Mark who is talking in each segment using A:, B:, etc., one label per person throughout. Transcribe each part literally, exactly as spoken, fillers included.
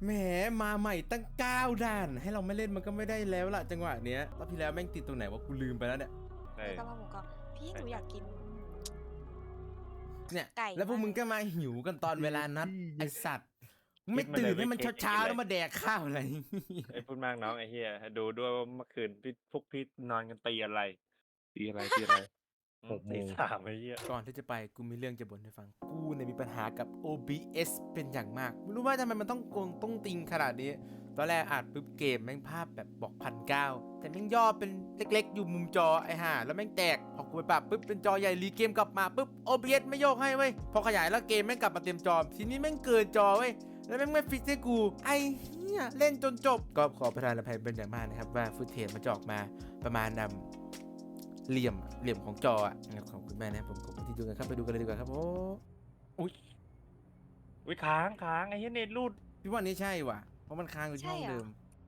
A: แหมมาใหม่ตั้งเก้าด่านให้เราไม่เล่นมันก็ไม่ได้แล้วล่ะจังหวะเนี้ยรอบที่แล้วแม่งติดตรงไหนวะกูลืมไปแล้วเนี่ย
B: เอ
C: เออ
B: อก
C: ะเพราหมูกรอบพี่หนูอยากกิน
A: เนี่ย
C: ไก่
A: แล้วพวกมึงก็มาหิวกันตอนเวลานัดไอสัตว์ไม่ตื่นให้มันเช้าๆแล้วมาแดกข้าวอะไร
B: ไอ้พูดมากน้องไอ้เฮียดูด้วยว่าเมื่อคืนพี่พวกพี่นอนกันตีอะไร
D: ตีอะไรตีอะไร
B: อื
D: หกโมง
B: ตีสามไอ้เฮีย
A: ก่อนที่จะไปกูมีเรื่องจะบ่นให้ฟังกูเนี่ยมีปัญหากับ โอ บี เอส เป็นอย่างมากไม่รู้ว่าทำไมมันต้องโกงต้องติงขนาดนี้ตอนแรกอัดปุ๊บเกมแม่งภาพแบบบอกพันเก้าแต่แม่งย่อเป็นเล็กๆ อยู่มุมจอไอ้ห่าแล้วแม่งแตกพอกูไปปรับปุ๊บเป็นจอใหญ่รีเกมกลับมาปุ๊บ โอ บี เอส ไม่โยกให้เว้ยพอขยายแล้วเกมแม่งกลับมาเต็มจอทีนี้แม่งเกินจอเว้ยแล้วแม่งไม่ฟิกให้กูไอ้เหี้ยเล่นจนจบก็ขอประทานอภัยเป็นอย่างมากนะครับว่าฟุตเทจมันจะออกมาประมาณนำเหลี่ยมเหลี่ยมของจออ่ะขอบคุณแม่นะครับผมขอบคุณที่ดูกันครับไปดูกันเลยดีกว่าครับโอ้
B: อุ้ยอุ้ยค้างค้างไอ้เฮียเน็ตรูด
A: พี่ว่านี่ใช่ว่ะเพราะมันค้างอยู่ที่ห้อง
C: ใช่เหรอ
A: เดิม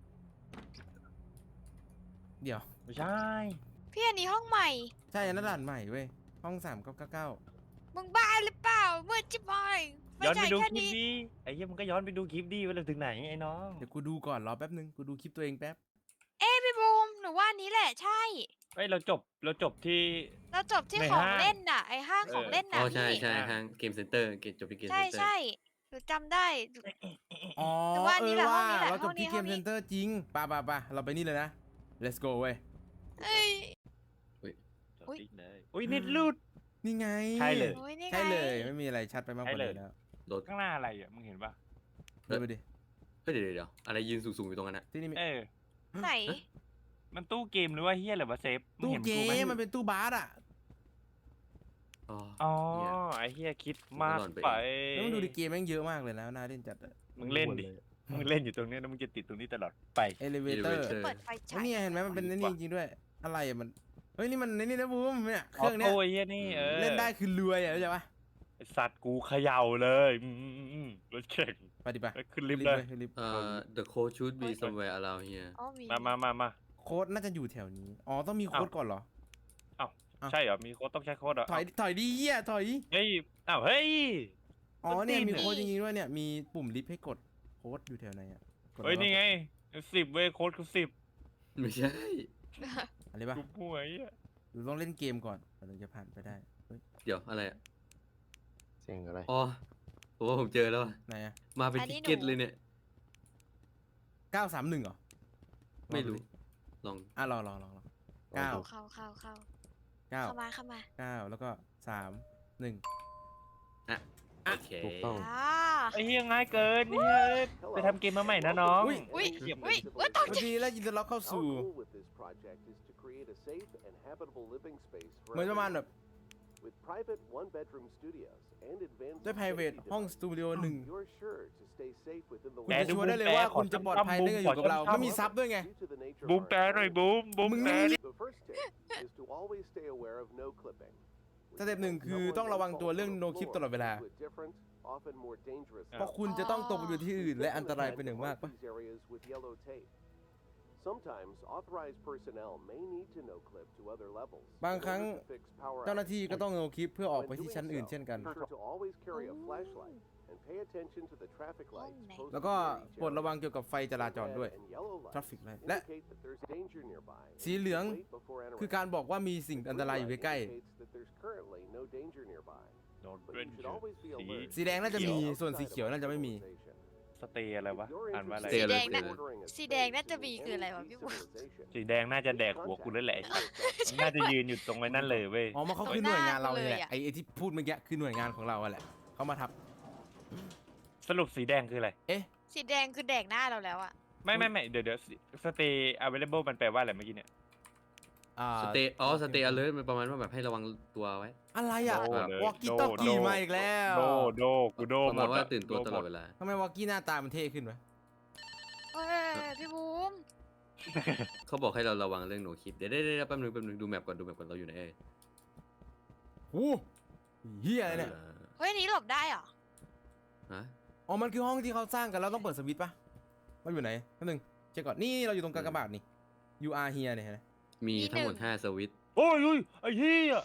A: เดี๋ยว
B: ไม่ใช่
C: พี่อันนี้ห้องใหม่
A: ใช่อันนั้นด่านใหม่เว้ยห้องสามเก้าเก้าเก้า
C: มึงบ้าหรือเปล่าเมื่อจิบอยไม่
B: ย้อน
C: ใช่
B: ไปดู
C: แค่
B: คลิป
C: นี้
B: ดีไอ้เฮียมันก็ย้อนไปดูคลิปดีว่าเราถึงไหนไอ้น้อง
A: เดี๋ยวกูดูก่อนรอแป๊บนึงกูดูคลิปตัวเองแป๊บ
C: เอ้ยพี่บูมหนูว่าอันนี้แหละใช่
B: เฮ้ยเราจบเราจบที่
C: เราจบที่
B: ใน
C: ของ
B: ห้าง
C: เล่นน่ะไอห้าง
B: เออ
C: ของเล่น
D: อ๋
C: น่ะ
D: อใช่
C: พี่
D: ใช่ทางเกมเซ็นเตอร์เกมจบที่เกม
C: ใช่
D: เซ็นเตอร์
C: ใช่หนูจำได้
A: อ๋อ
C: แต่ว่าอัน
A: เอ
C: นี้
A: อ
C: แหละ
A: ว่า
C: ห้องนี้แหละ
A: เราจบที่
C: ห้
A: เก
C: อง
A: ม
C: นี้
A: เซ็นเตอร์จริงป่ะป่ะป่ะเราไปนี่เลยนะ let's go เว้ย
C: เอ้ย
B: จบ
C: อุ๊ย
B: ที่เลยอุ้ยเน็ตรูด
A: นี่ไง
B: ใช่เลย
C: โอ้ยนี่ไง
A: ใช่เลยไม่มีอะไรชัดไปมากกว่า
B: ใช่เลย
A: นี้แล้ว
D: โดด
B: ข้างหน้าอะไรอ่ะมึงเห็นปะ
A: เดินไปดิ
D: เฮ้ยเดี๋ยวเดี๋ยวเดี๋ยวอะไรยืนสูงๆอยู่ตรงนั้นอะ
A: ที่นี่มี
B: เออ
C: ไหน
B: มันตู้เกมหรือว่าเฮียหรือว่าเซฟง
A: ตู้
B: ห็น
A: เก
B: ไห
A: มมันเป็นตู้บาสอ่ะ
D: อ๋อ
B: อ๋อ
D: เหี้ย
B: ไอ้เฮียคิดมาก
D: ผมก็นอนไป
B: ไป
A: แล้วมึงดูดิเกมแม่งเยอะมากเลยนะน่าเล่นจัดอะ
B: มึงเล่นดิ มึงเล่นอยู่ตรงเนี้ยแล้วมึงจะติดตรงนี้ตลอดไป
A: เอลิเวเตอร์
D: Elevator
C: เปิดไฟฉาย
A: นี่ไงเห็นไหมมันเป็นนี่จริงๆด้วยอะไรอะมันเฮ้ยนี่มันนี่นะบูมเนี่ยเครื่องเนี้ย
B: โอ้ยเฮียนี่เออ
A: เล่นได้คือรวยอ่ะเข้าใจปะ
B: ไอ้สัตว์กูเขย่าเลยอืมอืมอืมอืมรถเข็ง
A: ไปดิปะ
B: เอ้ยขึ้นลิฟต์เลย
A: ขึ้นลิฟต์
D: เอ่อ the code should be somewhere around here
C: อ๋อมี
B: มามามามา
A: โค้ดน่าจะอยู่แถวนี้อ๋อต้องมีโค้ดก่อนเหรอ
B: เอ้า
A: อ้าว
B: ใช่เหรอ มีโค้ดต้องใช้โค้ดเหรอ
A: ถอยถอยดีเหี้ยถอย
B: เฮ้ยอ้าวเฮ้ย
A: อ๋อเนี่ย
B: ต้นตีน
A: มีโค้ดจริงๆด้วยเนี่ยมีปุ่มลิฟต์ให้กดโค้ดอยู่แถวไหนอ่ะกด
B: เฮ้ย
A: แล้ว
B: นี่ไงสิบเว้ยโค้ดคือสิบ
D: ไม่ใช่
A: อะไรปะ
B: กูป่วยอ่ะ
A: หรือต้องเล่นเกมก่อนถึงจะผ่านไปได้เฮ้ย
D: เดี๋ยวอะไรอะ
E: เสียงอะไร
D: อ๋อผมว่าผมเจอแล้วอะ
A: ไหนอ่ะ
D: มาเป็น
C: อันนี้
D: ทิกเก็ต
C: หนู
D: เลยเนี่ย
A: เก้าสามหนึ่งเหรอ
D: ไม่รู้ลอง
A: อ่ะรอรอรอรอเก้า
C: เข้าเข้าเข้า
A: เก้า
C: เข้ามาเข้ามา
A: เก้าแล้วก็สามหนึ่ง
D: อ่ะโอเค
E: ถูกต้อง
C: อ่า
B: ไอ้เฮียง่ายเกินนี่เฮ้ยไปทำเกมมาใหม่นะน้อง
A: อุ้ย
C: อุ้ย
B: เยี่ยม
C: อุ้ยอุ้ยตก
A: สวั
C: ใจ
A: สดีแล้วยินดีต้อนรับเข้าสู่
F: Our goal with this project is to create a safe and habitable living space for
A: เหมือนประมาณแบบ
F: everyone. With private one-bedroom studios and advanced
A: ด้วย private
F: safety
A: ห้องส
F: devices,
A: ตูดิโอหนึ่ง
F: you're sure to stay safe within the
A: คุณ
B: แปล
A: จะ
B: ดู
A: ชัวร์ได้เลยว่า
B: แปล
A: คุณจะปลอดภัยเนื่องอยู่กับเรา
B: ขอ
A: ไม่มีซับด้วยไง
F: due to the nature of
B: บูม
F: our
B: แปลหน่อยบูมบูม
A: มึง
B: แปล
A: นี่
F: The first tip is to always stay aware of no clipping.
A: สเต็ปหนึ่งคือต้องระวังตัวเรื่อง no clip ตลอดเวลา
F: To a different, often more dangerous
A: เพราะคุณจะต้องตกไปอยู่ที่อื่นและอันตรายเป็นอย่างมากปะ
F: These areas with yellow tape. Sometimes authorized personnel may need to no clip to other levels.
A: บางครั้ง
F: in order to fix power
A: เจ้าหน้าที่ก็ต้อง no clip เพื่อออก
F: When
A: ไปที่
F: doing
A: ชั้นอื่น
F: so,
A: เช่นกัน
F: be sure to always carry a flashlight and pay attention to the traffic lights
C: ไหน
F: posted
A: แล้วก็
F: in each
A: โปรด
F: area.
A: ระวังเกี่ยวกับไฟจราจรด้วย
F: Red and yellow lights
A: traffic light และ
F: indicate that there's danger nearby.
A: สีเหลือง
F: Wait before entering.
A: คือการบอกว่ามีสิ่งอันตรายอยู่ใกล้
F: Indicates that there's currently no danger nearby.
B: โดน
F: But
B: เป็น
F: you should always be
B: สี
F: alert.
A: ๆสีแดงน่าจะมีส่วนสีเขียวน่าจะไม่มี
B: สเตย์อะไรวะ อ่านว่าอะไร
D: สีแดง
C: น่ะ สีแดงน่าจะมีคืออะไรวะพี่บุ๊ค
B: สีแดงน่าจะแดกหัวกูแล้วแหละไอ้สัสมันน่าจะยืนอยู่ตรงไว้นั่นเลยเว้ย
A: อ๋อมันเขาคือหน่วยงานเราเลยแหละ
C: เลยอะ
A: ไอ้ไอ้ที่พูดเมื่อกี้คือหน่วยงานของเราอะแหละเขามาทับ
B: สรุปสีแดงคืออะไร
A: เอ๊ะ
C: สีแดงคือแดกหน้าเราแล้วอะ
B: ไม่ไม่ไม่เดี๋ยวเดี๋ยวสเตย์ available มันแปลว่าอะไรเมื่อกี้เนี่ย
A: อ่า
D: สเตย์อ๋อสเตย์ alert มันประมาณว่าแบบให้ระวังตัวไว้
A: อะไรอะ
B: โดเลยว
A: อกกี้ต้องกี้มาอีกแล้ว
B: โดโดกูโด
D: ประ
B: หม
D: มาณ
B: ด
D: ว่า
B: อะ
D: ตื่นตัวตลอดเวลา
A: ทำไมวอกกี้หน้าตามันเท่ขึ้นวะ
C: เฮ้ยพี่บูม
D: เขาบอกให้เราระวังเรื่องโนคลิปเดี๋ยวได้ได้แป๊บนึงแป๊บนึงดูแมปก่อนดูแมปก่อนเราอยู่ไหนเอ่ย
A: โอ้เฮียอะไรเนี่ย
D: อ่า
C: เฮ้ยอันนี้หลบได้เหรอ
D: ฮะ
A: อ๋อมันคือห้องที่เขาสร้างกันแล้วต้องเปิดสวิตช์ปะมันอยู่ไหนแป๊บนึงเช็คก่อนนี่เราอยู่ตรงกากบาทนี่ you are here เนี่ยเห็นไหม
D: มีทั้งหมดห้าสวิตช์
B: โอ้ยอุ้ยไอ้เหี้ย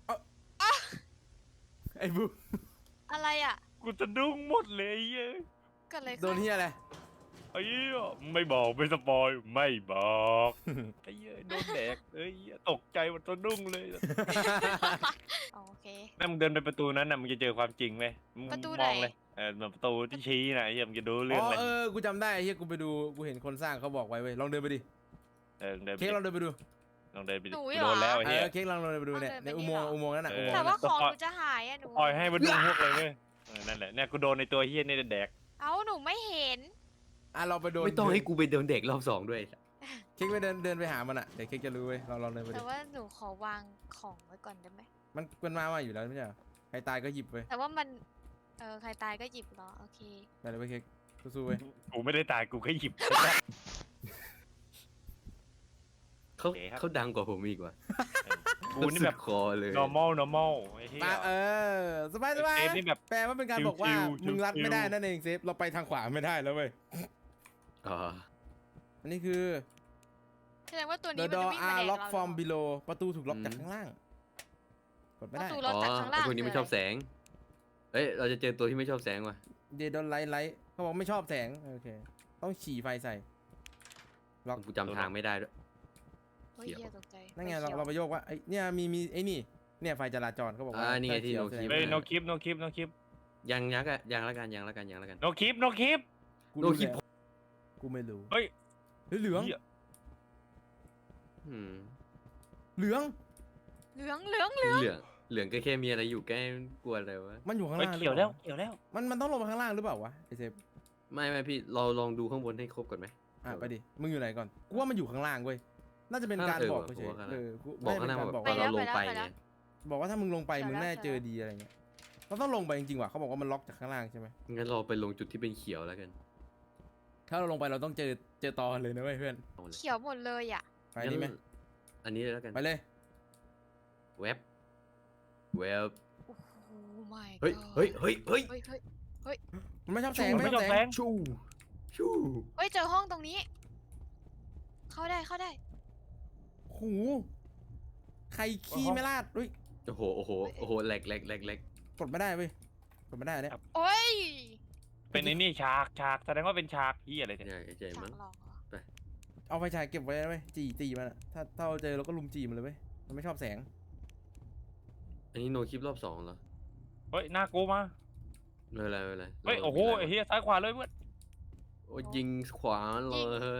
A: ไอ้บู
C: อะไรอะ
B: กูจะดุ้งหมดเลยไอ้เหี้ย
C: เกิดอะไร
A: โด
C: ขึ้
A: น
C: น
A: เฮียอะไร
B: ไอ้เหี้ยไม่บอกไม่สปอยไม่บอกไอ้เหี้ยโดนแดกเอ้ยตกใจหมดตัวดุ้งเลย
C: อ๋อโอเค
B: แม่มึงเดินไปประตูนั้นน่ะมึงจะเจอความจริงไหมมึง
C: ประตู
B: ม
C: ไหน
B: องเลยเออเหมือนประตูที่ชี้น่ะไอ้เหี้ยมึงจะดูเรื่
A: อ๋
B: อง
A: อ
B: เลย
A: เออกูจำได้เฮียกูไปดูกูเห็นคนสร้างเขาบอกไว้เว้ยลองเดินไปดิ
B: เออเดินไป
A: เค้ก
B: ดิ
A: ลองเดินไปดู
B: ลองเดินไปดิ
C: หนู
B: กู
C: เหรอ
B: โดนแล้วไอ้
A: เอ
B: เหี้ย
A: อเค้กลองเดินไปดูเนี่ย
C: เอาเดิ
A: ใน
C: นไป
A: อุ
C: นี่
A: โมงค์
C: เหรอ
A: อุโมงค์นั้นน่ะ
B: เอ
A: อุ
B: อ
A: โมงค์
C: แต่
A: นั้น
C: ว่า
A: น่ะ
C: ของหนูจะหายอะหนู
B: ปล่อยให้มันดูพวกเลยเว้ยเออนั่นแหละเนี่ยกูโดนในตัวเหี้ยนี่แดก
C: เอ้าหนูไม่เห็น
A: อ่ะเราไปโดน
D: ไม่ต้องให้กูไปเดินเด็กรอบสองด้วย
A: เค้กไปเดินเดินไปหามันอ่ะเดี๋ยวเค้กจะรู้เว้ยเราลองเดินไปดิ
C: แต่ว่าหนูขอวางของไว้ก่อนได้ไหม
A: มันมันมาว่าอยู่แล้วไม่ใช่เหรอใครตายก็หยิบเว้ย
C: แต่ว่ามัน เออใครตายก็หยิบเหรอ โอเค
A: ไปเลยเว้ยเค้กสู้ๆเว้ย
B: กูไม่ได้ตายกูแค่หยิบ
D: เขา
B: โอเคครับ
D: เขาดังกว่าผมอีกว่ะ
B: กูนี่แบบ
D: สุดคอเลย
B: normal normal ไอ้เหี้ย
A: มาเออสบายสบาย
B: เซฟนี่แบบ
A: แปลว่าเป็นการบอกว่า
B: ชิวๆ
A: มึงรัด
B: ชิวๆ
A: ไม่ได้นั่นเองเซฟเราไปทางขวาไม่ได้แล้วเว้ย
D: อ๋อ
A: อันนี้คือ
C: แสดงว่าตัว
A: the
C: นี้มันจะ
A: door
C: วิ่งมา
A: are
C: แดก
A: locked
C: เรา
A: from
C: หรือเปล่า
A: below ประตูถูกล็อกจากข้างล่างกดไม่ได้
C: ประตู
D: อ๋อ
C: จากข้างล่าง
D: ไอ้พวกนี้ไม่ชอบแสง เอ้ยเราจะเจอตัวที่ไม่ชอบแสงว่ะ
A: they don't like light เขาบอกไม่ชอบแสงโอเคต้องฉี่ไฟใส่ล็อก
D: กูจำทางไม่ได้ด้วย
C: เฮ้ยเหี้ยตกใจ
A: นั่นไง
C: ฟ
A: เรา
C: ขียว
A: เราไปโยกว่าไอ้เนี่ยมีมีไอ้นี่เนี่ยไฟจราจรเขาบอกว่า
D: อ่านี่ไงที่
A: ถ้า
D: no
A: เขียว
D: keep
B: เฮ้ย
A: แสดง
B: no keep no keep no keep
D: ยังยักอะยังละกันยังละกันยังละกัน
B: no keep no keep
A: กู
D: no
A: รู้
D: keep
A: แล้วกูไม่รู้
B: เฮ้ย
A: เฮ้ยเหลือง
B: เหี้ย
D: อืม
A: เหลือง
C: เหลืองเหลือง
D: เหลืองเหลืองก็แค่มีอะไรอยู่แกล้งกลัวอะไรวะ
A: มันอยู่ข้าง
B: เฮ้ย
A: ล่างหรือ
B: เขียว
A: เป
B: แล้ว
A: ล่า
B: เขียวแล้ว
A: มันมันต้องลงไปข้างล่างหรือเปล่าวะไอเซฟ
D: ไม่ไม่พี่เราลองดูข้างบนให้ครบก่อนไหม
A: อ่ะไปดิมึงอยู่ไหนก่อนกูว่ามันอยู่ข้างล่างเว้ยน่าจะเป็นการ
D: เออ
A: บอก
D: ว่ะ
A: เฉย
D: ผมว่าข้าง
A: ๆ
D: ล่าง
A: เออกู
D: บอกข้างหน้า
A: ไม่
D: มา
A: ได้
D: บ
A: เป็
D: อก
A: นการ
D: ว่าเราลงไปไง
A: บอกว่าถ้ามึงลงไป
C: เดี๋ยว
A: มึง
C: แล้ว
A: น่าจะเจอ
C: เดี๋ยวแล้ว
A: ดีอะไรเงี้ยเราต้องลงไปจริงๆว่ะเขาบอกว่ามันล็อกจากข้างล่างใช่ไหม
D: งั้นเราไปลงจุดที่เป็นเขียวแล้วกัน
A: ถ้าเราลงไปเราต้องเจอเจอตอเลยนะเว้ยเพื่อน
D: เอาเลย
C: เขียวหมดเลยอ่ะ
A: ไปนี่ไหม
D: งั้นอันนี้เลยแล้วกัน
A: ไปเลย
D: เว็บเว็บ
C: โอ้โหไม่
D: เฮ้ยเฮ้ยเฮ้ยเฮ้ย
C: เฮ้ยเฮ้ย
A: มันไม่ชอบแสง
B: มัน
A: ไม่
B: ไม่
A: ช
B: ช
A: อ
B: อ
A: บบ แส
B: แส
A: ง
B: ง
D: ชูชู
C: เฮ้ยเจอห้องตรงนี้ เข้าได้เข้าได้
A: โหูใครขี้ไม่ลาดอุ้ย
D: โอ้โหโอ้โหโอ้โหแหลกแหลกแหลกแหลก
A: กดไม่ได้เว้ยกดไม่ได้เนี่ย
C: โอ้ย
B: เป็นไอ้นี่ฉากฉากแสดงว่าเป็นฉากเหี้ยอะไรเนี่ย
D: ใหญ่ใหญ่
C: ฉา
D: มั้ง
C: กหลอกเหรอ
A: เอาไฟฉายเก็บไว้นะเว้ยจีจีมันอะถ้าถ้าเราเจอเราก็ลุมจีมันเลยเว้ยมันไม่ชอบแสง
D: อันนี้โนคลิปรอบสองเหรอ
B: เฮ้ยหน้ากูมา
D: ไม่เป็นไรไม่เป็นไร
B: เฮ้ยโอ้โหไอ้เหี้ยซ้ายขวาเลยเพื่อน
D: โอ้ยยิงขวาเลย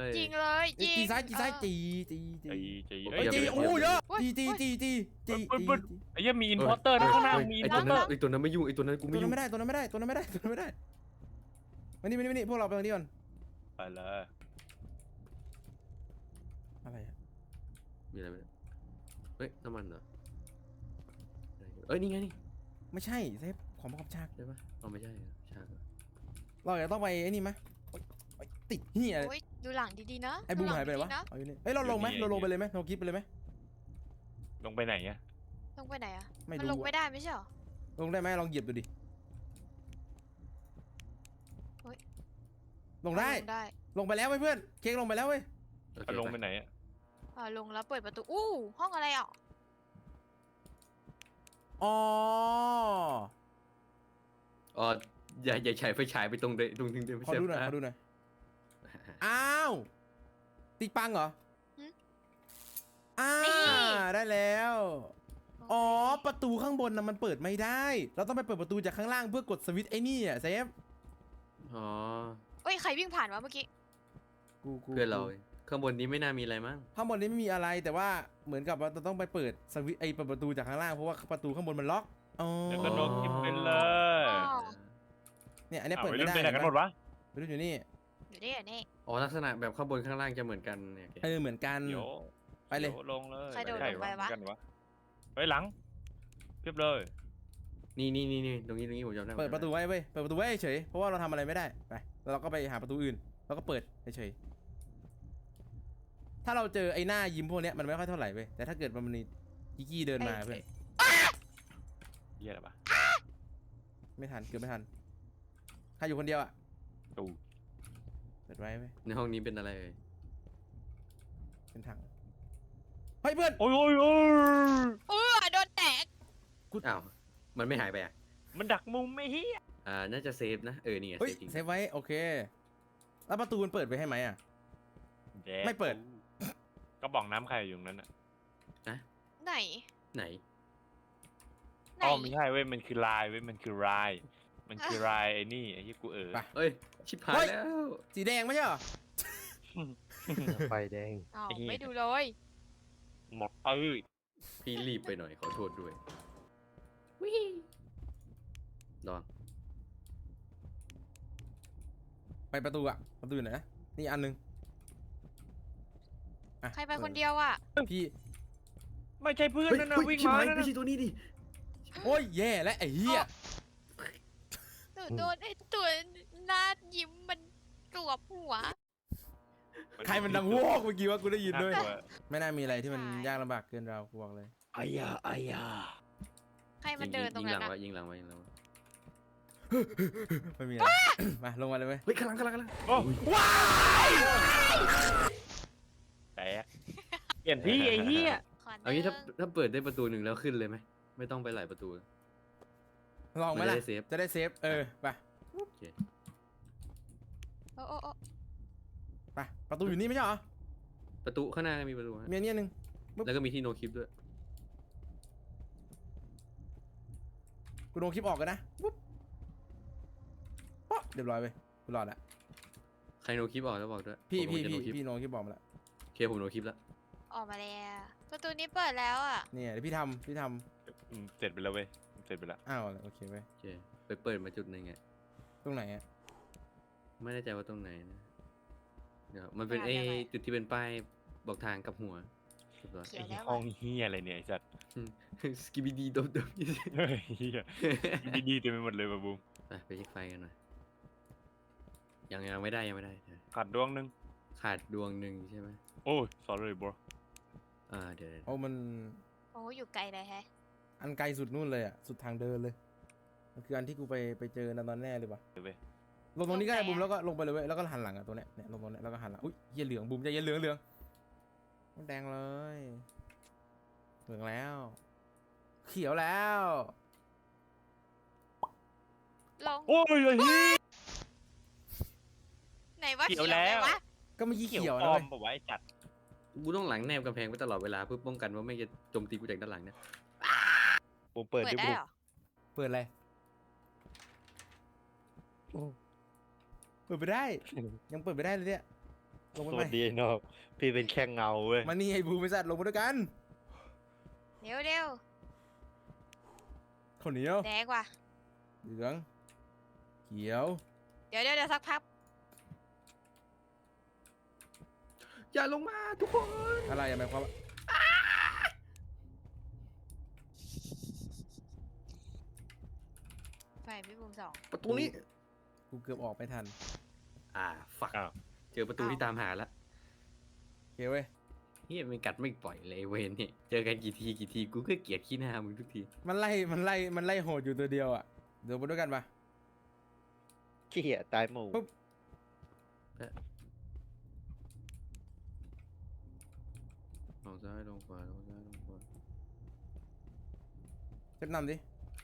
C: จริงเลย
A: เอ้ย
C: จริง
A: จีซ้ายจีซ้าย
C: เออ
A: จีจีจี
B: ไอ้จี
A: เฮ้ย
B: ไอ้
A: จี
B: จี
A: โอ้เยอะ
C: เฮ้ย
A: จีจีจีจีจี
B: เฮ้ย
A: จี
B: เฮ้ย ไอ้เหี้ยมีอินพอร์เตอร์นะข้างหน้ามีอิ
D: ไอ้
B: นพ
D: ตั
B: อ
D: ว
B: ร์เต
D: นั้
B: อน ร์
D: ไอ้ตัวนั้นไม่ยุ่งไอ้ตัวนั้นกู
A: ตัว
D: ไม่
A: นั้
D: ยุ่
A: น
D: ง
A: ไม่ได้ตัวนั้นไม่ได้ตัวนั้นไม่ได้ตัวนั้นไม่ได้มานี่มานี่มานี่พวกเราไปตรงนี้ก่อน
B: ไปเลย
A: อะไรอะ
D: มีอะไรไหมเฮ้ยน้ำมันเหรอเอ้ยนี่ไงนี่
A: ไม่ใช่เซฟของประกอบฉาก
D: ใช่ปะเอาไม่ใช่เหรอฉากเหรอ
A: เราจะต้องไปไอ้นี่ไหมโอ๊ยโอ๊ยติดเหี้ย
C: โอ้ยดูหลังดีๆนะ
A: ไอ้บูม
C: ดูลัง
A: หายไปไหนวะ
C: ดีๆนะ
A: เอาอยู่นี่เฮ้ยเราลงไหมเราลงไปเลยไหมเราคลิปไปเลยไหม
B: ลงไปไหนอะ
C: ลงไปไหนอะ
A: ไม่
C: มัน
A: รู้
C: ลงไม่
A: อะ
C: ได้ไม่ใช่เหรอ
A: ลงได้ไหมลองเหยียบดูดิ
C: เฮ้ย
A: ลงได้
C: ลงได้
A: ลงไปแล้วเว้ยเพื่อนเค้กลงไปแล้วเว้ย
D: โอเค
B: เอาลงไป
D: ไป
B: ไหนอะ
C: อ่าลงแล้วเปิดประตู อู้ห้องอะไรอ่ะ
A: อ๋อ
D: อ๋ออย่าอย่าฉายไฟฉายไปตรงเดตรงถึงเดินไม่
A: ขอ
D: ใช่
A: ดูหน่อยขอดูหน่อยอ้าวติ๊กปังเหรออ่าได้แล้ว อ๋อ ประตูข้างบนนะมันเปิดไม่ได้ เราต้องไปเปิดประตูจากข้างล่างเพื่อกดสวิตช์ไอ้นี่อ่ะเซฟ
D: อ๋อ
C: เอ้ยใครวิ่งผ่านวะเมื่อกี้
A: กูกู
D: เพื่อนเราข้างบนนี้ไม่น่ามีอะไรมั้ง
A: ข้างบนนี้ไม่มีอะไรแต่ว่าเหมือนกับว่าเราต้องไปเปิดสวิตช์ไอ้เปิดประตูจากข้างล่างเพราะว่าประตูข้างบนมันล็อกอ๋อ
B: เดี๋ยวก็โดนคลิปไปเลย
C: อ๋อ
A: เนี่ยอันนี้
B: อ้าว
A: เปิด
B: ไป
A: ไม่
B: เล่น
A: ได้
B: ไปไหนกันหมดวะ
A: ไปดูอยู่นี่
C: อยู่นี่อยู่นี่
D: อ๋อลักษณะแบบข้างบนข้างล่างจะเหมือนกันเนี่ย
A: เออเหมือนกัน
B: เดี๋ยว
A: ไปเลย
B: ดี๋วลงเลย
C: ใครโดด
B: ใช่
C: ลงไปวะ
B: กันวะไปหลังเพียบเลย
D: นี่นี่นี่นี่ตรงนี้ตรงนี้ผมจำได้
A: เปิดประตูไว้เว้ยเปิดประตูไว้เฉยเพราะว่าเราทำอะไรไม่ได้ไปแล้วเราก็ไปหาประตูอื่นแล้วก็เปิดเฉยถ้าเราเจอไอ้หน้ายิ้มพวกเนี้ยมันไม่ค่อยเท่าไหร่เว้ยแต่ถ้าเกิดมันมีกิกกี้เดินมาเพื่อน
B: เหี้ยอะไรปะ
A: ไม่ทันเกือบไม่ทันใครอยู่คนเดียวอ่ะ
B: ตู
A: เปิดไว้เว้ย
D: ในห้องนี้เป็นอะไรเอ่ย
A: เป็นถังเฮ้ยเพื่อน
B: โอ้ยโอ้ยโอ้ย
C: เออโดนแตก
D: อ้าวมันไม่หายไปอ่ะ
B: มันดักมุมไม่เฮีย
D: อ่าน่าจะเซฟนะเออนี่ไง
A: เฮ้ย
D: เซฟจริง
A: เซฟไว้โอเคแล้วประตูมันเปิดไปให้ไหมอ่ะ
B: แดก
A: ไม่เปิด
B: ก็บอกน้ำใครอยู่ตรงนั้นอ่ะ
C: ไหน
D: ไหน
C: ไหน
B: อ๋อไม่ใช่เว้ยมันคือลายเว้ยมันคือลายมันคือลายไอ้นี่ไอ้ที่กูเออ
A: ไป
D: เอ้ย ชิบหาย
A: เฮ้ย
D: แล้ว
A: สีแดงไม่ใช่เหรอ
E: ไฟแดง
C: อ้าว
B: ไอ้เหี้ย
C: ไม่ดูเลย
B: หมดเอ้ย
D: พี่รีบไปหน่อยขอโทษด้วยวิลอง
A: ไปประตูอ่ะ ประตูอยู่ไหนนะนี่อันหนึงอ่ะ
C: ใครไปคนเดียวอ่ะ
A: พี่
B: ไม่ใช่เพื่อน
D: เฮ้ย
B: นั่นนะ
D: เฮ้ย
B: วิ่ง
D: ชิบ
B: มา
D: หาย
B: นั่น
D: ไม่
B: นะ
D: ใช่ตัวนี้ดิ
A: โอ้ยแย่และไอ้เหี้ย
C: หนูโดนไอ้ตัวหน้ายิ้มมันกลวบหัว
A: ใครมันดังโวกเมื่อกี้ว่ากูได้ยินด้วย
B: ากลัว
A: ไม่น่ามีอะไรที่มัน
C: ใช่
A: ยากลำบากเกินเรากูบอกเลย
B: อายาอายา
C: ใครมันเดินตรง
D: ยิง
C: นั้
D: หลั
C: น
D: ง
C: อะ
D: ไว้ยิงหลังไว้ยิงหลังไว้
A: ไม่มีอะไร มาลงมาเลยเว้ย
D: เฮ้ยข้างหลังข้างหลังข้างหลัง
B: โอ้แตกเปลี่ยนที่ไอ้เหี้ย
C: ขอ
D: เอางี้ถ้า
C: หนึ่ง
D: ถ้าเปิดได้ประตูหนึ่งแล้วขึ้นเลยไหมไม่ต้องไปหลายประตู
A: ลองไหม
D: มันจะ
A: ล่ะ
D: ได้เซฟ
A: จะได้เซฟ เออ ไป
D: โอเค
C: โอ้โอ้โอ้
A: ไป ประตูอยู่นี่ไม่ใช่เหรอ
D: ประตูข้างหน้าก็มีประตูฮะ
A: มีอันนี้อันหนึง
D: แล้วก็มีที่โนคลิปด้วย
A: กูโดนคลิปออกกันนะปุ๊บป๊ะเรียบร้อยไปกูรอดละ
D: ใครโนคลิปออกแล้วบอกด้วย
A: พี่
D: ผม
A: พี่
D: จะ
A: พี่
D: โนคลิป
A: พี่โดนคลิปออกมาละ
D: โอเคผมโนคลิปแล้ว
C: ออกมาแล้ว ประตูนี้เปิดแล้วอ่ะ
A: เนี่ยเดี๋ยวพี่ทำพี่ท
B: อืมเสร็จไปแล้วเว้ยเสร็จไปแล้ว
A: ำอ้าวโอเคเว้ย
D: โอเคไปเปิดมาจุดหนึ่งไง
A: ตรงไหนอ่ะ
D: ไม่แน่ใจว่าตรงไหนนะเดี๋ยวมันเป็น
C: อ่า
D: ไอ้
C: ได้ไหม
D: จุดที่เป็นป้ายบอกทางกับหัวเรียบร้อย
C: เขีย
B: ไอ้
C: นแล้ว
B: ห้อ
C: อะ
B: งเฮียอะไรเนี่ยไอ้สัตว์
D: สกิบิดีดบดบ
B: เฮ้ยเฮียดีๆเต็มไปหมดเลยบะบูม
D: ไปไปเช็คไฟกันหน่อยยังยังไม่ได้ยังไม่ได้
B: ขาดดวงหนึง
D: ขาดดวงหนึ่งใช่ไหม
B: โอ้ย sorry bro
D: อ่าเดี๋ยวเดี๋ยว
A: โอ้มัน
C: โอ้อยู่ไกลเลยแฮะ
A: อันไกลสุดนู่นเลยอ่ะ สุดทางเดินเลย มันคืออันที่กูไปไปเจอนะตอนแน่เลยว่ะ
B: เดี๋ยวเว้ย
A: ลงตรงนี้ก็ได้
C: ลงไหนอะ
A: บูมแล้วก็ลงไปเลยเว้ย แล้วก็หันหลังอ่ะตัวเนี้ยเนี่ยลงตรงเนี้ยแล้วก็หันหลัง อุ้ยเหี้ยเหลืองบูมใจเย็นเหลืองเหลืองมันแดงเลย เหลืองแล้ว เขียวแล้ว
C: ลง
B: โอ้ยไอ้เฮีย
C: ไหนว่า
B: เขี
C: เขี
B: ย
C: ยว ว
B: แล้ว
C: ไหนวะ
A: ก็เมื่อกี้
B: เขียว
A: เขียว
B: ป
A: นะ
B: ลอ
A: เว้
B: ม
A: ย
B: ปะวะไอ้สัตว์
D: กูต้องหลังแนบกำแพงไว้ตลอดเวลาเพื่อป้องกันว่าไม่จะโจมตีกูจากด้านหลังเนี่ย
B: บูมเปิด
C: เปิด
B: ดิ
C: ได้
B: บูม
C: เหรอ
A: เปิดอะไรเปิดไปได้ ยังเปิดไปได้เลยเนี่ย ลงไป
B: ส
A: ไหม
B: วัสดีไอ้นอกพี่เป็นแค่เงาเว้ย
A: มานี่ไอ้บูมไอ้สัตว์ลงมาด้วยกัน
C: เดี๋ยวเดี๋ยว
A: ข้าวเหนียว
C: แดงว่ะ
A: เหลือง เขียว
C: เดี๋ยวเดี๋ยวเดี๋ยวสักพัก
D: อย่าลงมาทุกคน
A: อะไรอะหมายความว่า
C: ไฟพี่บูมสอง
D: ประตูนี้
A: กูเกือบออกไม่ทัน
D: อ่าฝัก
B: อ้าว
D: เจอประตูที่ตามหาแล้ว
A: โอเคเว้ย
D: เฮียมันกัดไม่ปล่อยเลยไอ้เวนเนี่ยเจอกันกี่ทีกี่ทีกูก็เกลียดขี้หน้ามึงทุกที
A: มันไล่ มันไล่ มันไล่โหดอยู่ตัวเดียวอ่ะ เดี๋ยวไปด้วยกันปะ
B: ขี้เหี้ยตายหมู่
A: ปุ๊บ
D: ลงซ้ายลงขวาลงซ้ายลงขวา
A: เช็ดนำดิ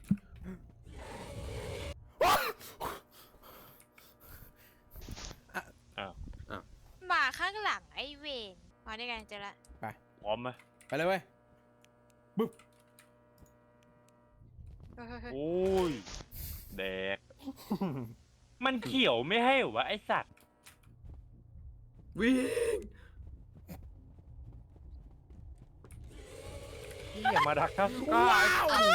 C: มาข้างหลังไอ้เวนมาได้ไงเจอละ
B: พร้อมไหม
A: ไปเลยเว้ย
C: เฮ้ยเฮ้ยเฮ้ย
B: โอ้ยแดก มันเขียวไม่ให้เหรอวะไอสัตว์
D: วิ่ง
B: พี่อย่ามาดักครับ
A: ว้าว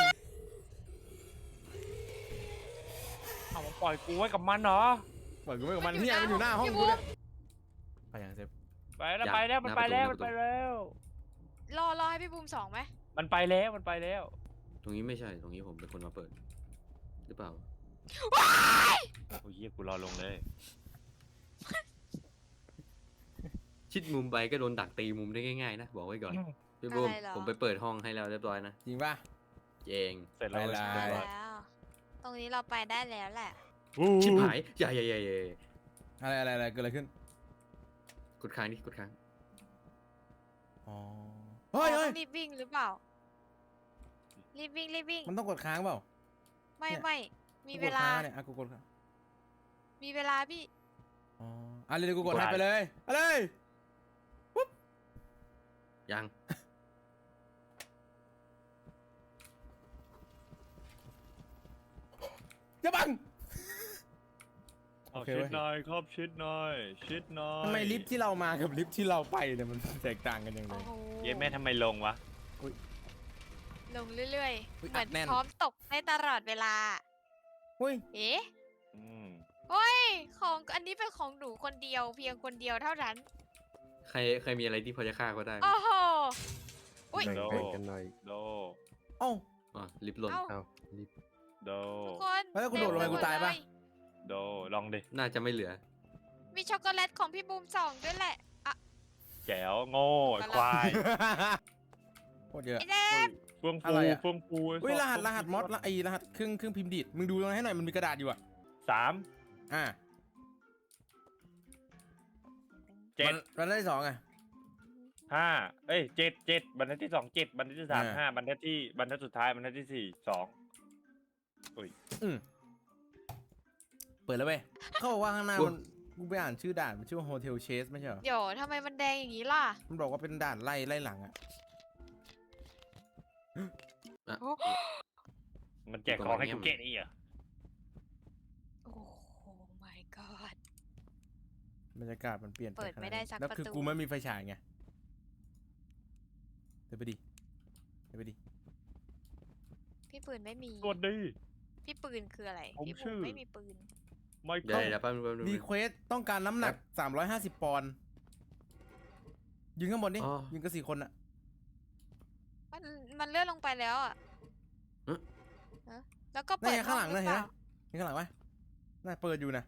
B: เอามาปล่อยกูไว้กับมันเหรอ
A: ปล่อยกูไม่กับมันเนี่ยมันอยู่หน้าห้องกูเนี่ยไปยังเซฟ
B: ไปแล้วไปแล้วมันไปแล้วมันไปแล้ว
C: รอรอให้พี่บูมสองไหม
B: มันไปแล้วมันไปแล้ว
D: ตรงนี้ไม่ใช่ตรงนี้ผมเป็นคนมาเปิดหรือเปล่า
B: โอ้ยเหี้ยกูรอลงเลย
D: ชิดมุมไปก็โดนดักตีมุมได้ง่ายๆนะบอกไว้ก่อนพี่บูมผมไปเปิดห้องให้แล้วเรียบร้อยนะ
A: จริงป่ะ
D: เจง
B: เสร็จแล้ว
A: ไปละ
B: เรียบร้อย
C: แล้ว ตรงนี้เราไปได้แล้วแหละ
D: ชิบหายใหญ่ใหญ่ใหญ่ใหญ่
A: อะไรอะไรอะไรเกิดอะไรขึ้น
D: กดค้างนี่กดค้าง
A: อ๋อ เฮ้ย
C: อ๋อ
A: เฮ้
C: ต้
A: ย
C: องรีบวิ่งหรือเปล่า รีบวิ่งรีบวิ่ง
A: มันต้องกดค้างเปล่า
C: ไม่
A: เนี่ย
C: ไม่มี
A: กู
C: เว
A: กด
C: ลา
A: ค้างเนี่ยอ่ะกูกดค้าง
C: มีเวลาพี่
A: อ๋ออ่ะเดี๋ยวกูกดให้ไปเลยเอาเลย
D: ยัง
A: อย่าบัง
B: เอา
A: โอเค
B: ชิ
A: เว้
B: ด
A: ย
B: หน่อยครับชิดหน่อยชิดหน่อย
A: ทำไมลิฟต์ที่เรามากับลิฟต์ที่เราไปเนี่ยมันแตกต่างกันยังไง
C: โอ้โห
B: เย้แม่ทำไมลงวะ
C: ลงเรื่อย
A: อุ๊ย
C: ๆ เหมือน
A: อัดแน่น
C: พร้อมตกได้ตลอดเวลา
A: เฮ้ย
C: เอ๊ะ
B: อืม
C: เฮ้ย ของอันนี้เป็นของหนูคนเดียว เพียงคนเดียวเท่านั้น
D: ใครใครมีอะไรที่พอจะฆ่าก็ได้ไหม
C: โอ้โห อุ๊ย
E: แบ่ง
B: โด
E: แบ่งกันหน่อย
B: โด
A: เอ้า
D: อ่ะลิฟต์หล่น
C: เอ้า
E: เอารีบ
B: โด
C: ทุกคน
A: แล้วกูโดดลงไป
C: เต็ม
A: กูตายปะ
C: หมดเล
B: โดลองดิ
D: น่าจะไม่เหลือ
C: มีช็อกโกแลตของพี่บูมสองด้วยแหละ อ่ะ
B: แจ๋วโง่ไอ้ควาย
A: โคตรเยอะ
C: ไอ้เด็ก
B: เฟื่อง
A: อะ
B: ฟู
A: ไรอะ
B: เฟื่องฟูไอ้
A: เฮ้ย
B: สัตว์
A: รหัสรหัสมอสละไอรหัสเครื่องเครื่องพิมพ์ดีดมึงดูตรงนั้นให้หน่อยมันมีกระดาษอยู่อ่ะ
B: สาม
A: อ่า
B: เจ็ด
A: วันที่สองอ่ะ
B: ห้าเอ้ยเจ็ดเจ็ดบรรทัดที่สองเจ็ดบรรทัดที่สาม
A: อ่า
B: ห้าบรรทัดที่บรรทัดสุดท้ายบรรทัดที่สี่สอง
A: อืมเปิดแล้วเว้ยเขาบอกว่าข้างหน้า
D: อุ๊ย
A: มันกูไปอ่านชื่อด่านมันชื่อว่าโฮเทลเชสไม่ใช่เหรอ
C: เดี๋ยวทำไมมันแดงอย่างนี้ล่ะ
A: มันบอกว่าเป็นด่านไล่ไล่หลังอ่ะ
D: อ่ะ
C: โอ้
B: มันแจกของให้กูเกตอีกเหรอ
C: โอ้ my god
A: บรรยากาศมันเปลี่ยนป
C: เปิดไม่ได้สัก
A: แล้วคือ
C: ประตู
A: กูไม่มีไฟฉายไงเดี๋ยวไปดิเดี๋ยวไปดิ
C: พี่ปืนไม่มี
B: สวัสดี
C: พี่ปืนคืออะไร
B: ผม
C: พี่
B: ชื่
C: บู
B: อ
C: มไม่มีปืน
B: ไม่
D: เดี๋ยว
B: เข้า
D: เดี๋ยวแป๊บนึงแป๊บนึง
A: รีเควสต้องการน้ำหนักสามร้อยห้าสิบปอนด์ยืนข้างบนดิ
D: อ๋อ
A: ยืนกันสี่คนอ่ะ
C: มันมันเลื่อนลงไปแล้วอ่ะ
D: เอ๊ะ
C: ฮะแล้วก็
A: นั่
C: เปิ
A: น
C: ด
A: ไงข้างหลัง
C: รื
A: นะ
C: อ
A: เห็น
C: ป
A: ไหม
C: ล่า
A: เห็นข้างหลังไหมน่าเปิดอยู่นะ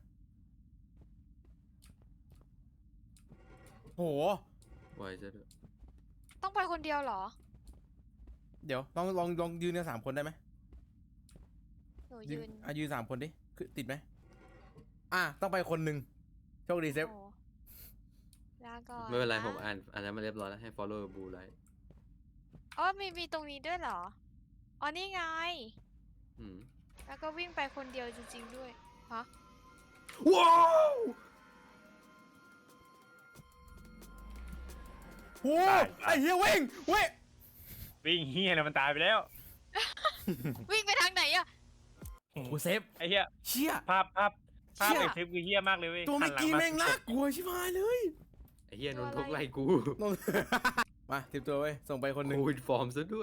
A: โห
D: ไวซะด้วย
C: ต้องไปคนเดียวเหรอ
A: เดี๋ยวลองลองลองยืนกันสามคนได้ไหม
C: หนู
A: ยื
C: ยื
A: น
C: น
A: อ่ะยืนสามคนดิคือติดไหมอ่ะต้องไปคนหนึ่งโชคดีเซฟ
C: โอ้ลาก่อน
D: ไม่เป็นไร
C: นะ
D: ผมอ่านอ่านแล้วมาเรียบร้อยแล้วให้ follow blue light
C: อ๋อมีมีตรงนี้ด้วยเหรอ อ๋อ นี่ไง
D: อืม
C: แล้วก็วิ่งไปคนเดียวจริงๆด้วย ฮะ
A: ว้าวโหไอ้เฮียเว้งเว้ย
B: วิ่งเฮียเลยมันตายไปแล้ว
C: วิ่งไปทางไหนอะ
A: โอ้โหเซฟ
B: ไอ้เฮีย
A: เชี่ย
B: ภาพภาพภาพ
A: เชี่ย
B: ไอ้เทปคือเฮียมากเลยเว้ย
A: ตัวเมื่อกี้
B: หันหลั
A: แม่ง
B: า
A: น่ากลัวชิบหายเลย
D: ไอ้เหี้ยนนทกไล่กู
A: ลง มาติดตัวไว้ยส่งไปคนหนึ่ง
D: โควิดฟอร์มซะด้วย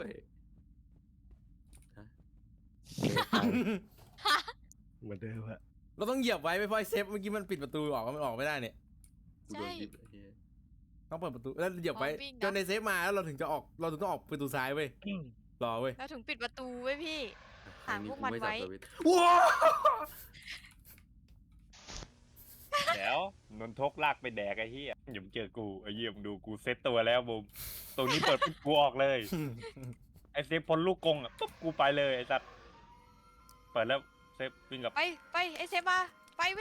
E: เหมือนเดิมอะ
A: เราต้องเหยียบไว้ไม่เพราะไอ้เซฟเมื่อกี้มันปิดประตูออกมันออกไม่ได้เนี่ย
D: กูโดนยิบไอ้เหี้ย
A: ต้องเปิดประตูแล้วเหยียบไว้
C: อ๋อวิ่งนะ
A: จนในเซฟมาแล้วเราถึงจะออกเราถึงต้องออกประตูซ้ายเว้ยรอเว้ย
C: แล้วถึงปิดประตูไว้พี่
D: ครั้งนี้
C: หาพวก
D: กู
C: มัน
D: ไม่สับ
C: ไว้
D: สวิตช์
A: ว้าว
B: แล้วนนทกลากไปแดกไอ้เฮียอย่ามาเจอกูไอ้เฮียมึงดูกูเซตตัวแล้วบุมตรงนี้เปิดปุ๊บกูออกเลย ไอ้เซฟพ้นลูกกงอ่ะปุ๊บกูไปเลยไอ้สัตว์เปิดแล้วเซฟวิ่งกลับ
C: ไปไปไอเซฟมา ไปวิ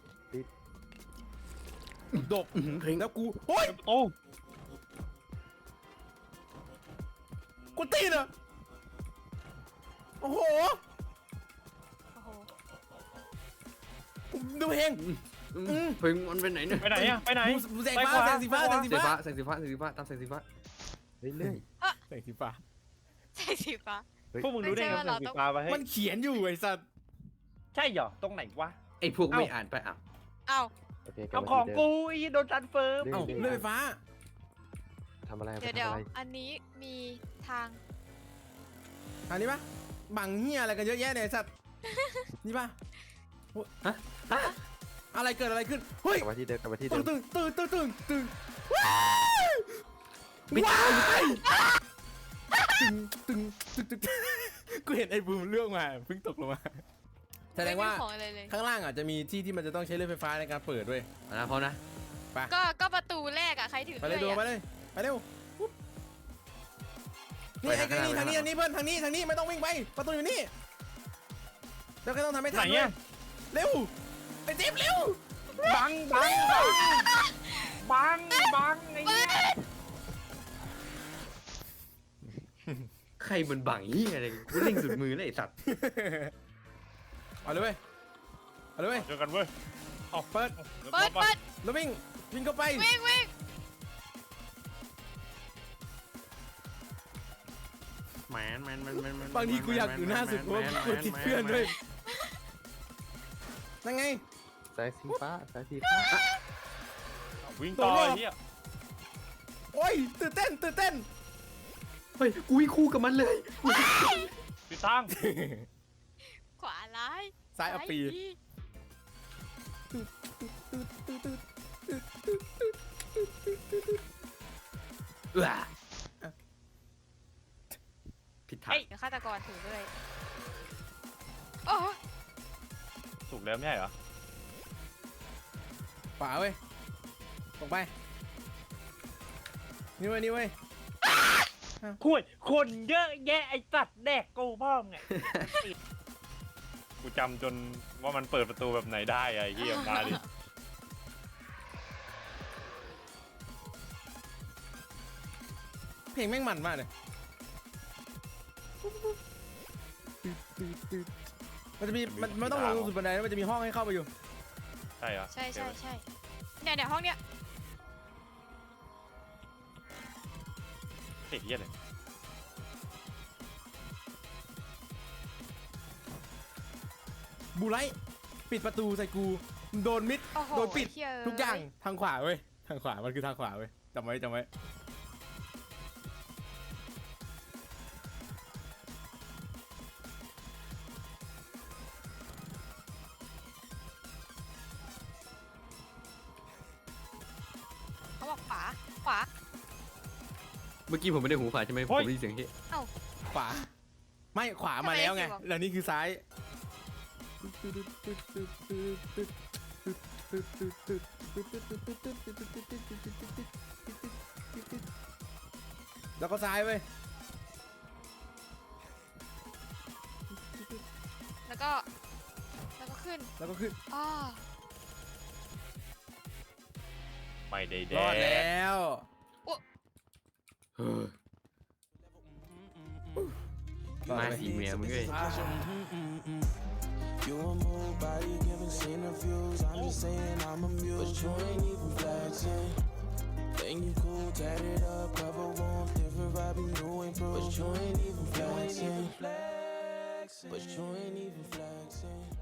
A: ดบแล้วกูโอ้ย
B: โอ้
A: กูตีนเหรอโอ้โห
C: โอ้โห
A: ดูเพลง
D: อืม
A: อืม
D: เพิ่งมันไปไหนเนี่ย
B: ไปไหนอ่ะไปไหน
A: ดูแสง
B: ไป
A: ฟ้า
B: ขวา
A: แสงสีฟ้า
B: ไปข
A: แส
B: วา
A: งสี
D: แสง
A: ฟ้า
D: ฟ้าแสงสีฟ้าแสงสีฟ้าตามแสงสีฟ้า
E: เรื่อย
A: แสงสีฟ้า
C: ใช่สีฟ้า
B: พวกมึงรู้ได้ไง
C: ไม่ใช่ว่า
B: ว่า
C: เรา
B: สี
C: ต้อง
B: ฟ้าไปให้
A: มันเขียนอยู่ไอ้สัตว์
B: ใช่เหรอตรงไหนวะ
D: ไอ้พวก
B: เอ้า
D: ไม่อ่านไปอ่ะ
C: เอ้า
E: ๆโอเคกลับ
B: เอา
E: มา
B: ของ
E: ที่เดิม
B: กูไอ้โดนทันเฟิร์ม
E: เรื่
A: เอ้า
E: อยๆ
A: เลื่อยไฟฟ้า
E: ทำอะไรไป
C: เดี๋ยว
E: ทำ
C: เดี๋ยว
E: อะไร
C: อันนี้มีทาง
A: อันนี้ปะบังเฮียอะไรกันเยอะแยะเนี่ยไอ้สัตว์นี่ปะ
D: ฮะฮะ
A: อะไรเกิดอะไรขึ้นเฮ้ย
E: กลับมาที่เดิมกลับมาที่เดิ
A: ตึง
E: ม
A: ตึงตึงตึงตึงตึงว้ายว้ายตึงตึงตึงตึงกูเห็นไอ้บูมเรื่องมาเพิ่งตกลงมาแสดงว่า
C: ไม่มีของอะไรเลย
A: ข้างล่างอาจจะมีที่ที่มันจะต้องใช้เลื่อยไฟฟ้าในการเปิดด้วย
D: เอานะพร้อมนะ
C: ก็ก็ประตูแรกอะใครถือ
A: ไปเลย
C: ด้
A: ดู
C: วย
A: ไป
C: อะ
A: เลยไปเร็วปุ๊บนี่ไอ้นี่ทางนี้ทางนี้เพื่อนทางนี้ทางนี้ไม่ต้องวิ่งไปประตูอยู่นี่แล้วก็ต้องทำให้
B: ไหน
A: ทัน
B: เนี่ย
A: เร็วไอ้จิ๊บเร็ว
B: บังบังบังบังบังไอ้เนี่ย
D: ใครมันบังเหี้ยอะไรกูเล่งสุดมือเลยไอ้สัตว์
A: เอาเลยเว้ยเอาเลยเว้ย
B: เจอกันเว้ยเอา
A: เปิด
C: เปิดเปิด
A: แล้ววิ่งวิ่งเข้าไป
C: วิ่งวิ่ง
D: แมนแมนแมนแมนแมน
A: บางทีกูอยากอยู่หน้าสุดเพราะว่ากูติดเพื่อนด้วยนั่นไง
E: สายสีฟ้าสายสีฟ้า
B: วิ่งต่อ
A: ตัวรอด
B: ไอ้เหี้ย
A: โอ้ยตื่นเต้นตื่นเต้น
D: เฮ้ยกูวิ่งคู่กับมันเลย
B: พี่ตั้ง
C: ขวาร้าย
A: ซ้ายเอาปี
C: ดี
D: ว้าผิดทาง
C: เดี๋ยวฆาตกรถือด้วยโอ้
B: ถูกแล้วไม่ใช่เหรอ
A: ขวาเว้ยตรงไปนี่เว้ยนี่เว้ย
B: คุยคนเยอะแยะไอ้สัตว์แดกกูพ่อมไง กูจำจนว่ามันเปิดประตูแบบไหนได้ไอ้เหี้ยมาดิ
A: เพลงแม่งมันมากเลยมันจะมีมันมันต้องลงสุดบันไดแล้วมันจะมีห้องให้เข้าไปอยู่
B: ใช่เหรอ
C: ใช่ใช่ใช่เนี่ยเนี่ยห้องเนี้ย
B: เฮ้ยเหี้ยเลย
A: บูไลท์ปิดประตูใส่กูโดนมิด
C: โอ้โห
A: โดนปิด
C: เหี้
A: ทุกอย่างทางขวาเว้ยทางขวามันคือทางขวาเว้ยจำไว้จำไว้
C: เขาบอกขวาขวา
D: เมื่อกี้ผมไม่ได้หูฝาดใช่ไหมผมได้ยินเสียงเฮ้ย
A: ขวาไม่ขวามาแล้วไงแล้วนี่คือซ้ายแล้วก็ซ้ายเว้ย
C: แล้วก็ แล้วก็ขึ้น
A: แล้วก็ขึ้น
C: อ้อ
B: ไม่ได้แด
A: รอด
B: ก
A: แล้ว
D: เฮ้ยมาสีเมียมึงเอ้ย
G: You a move body giving scene of views. I'm just saying I'm amused, but you ain't even flexing. Think you cool, tatted up, cover warm, different vibe, new improved, but you ain't even flexing. But you ain't even flexing.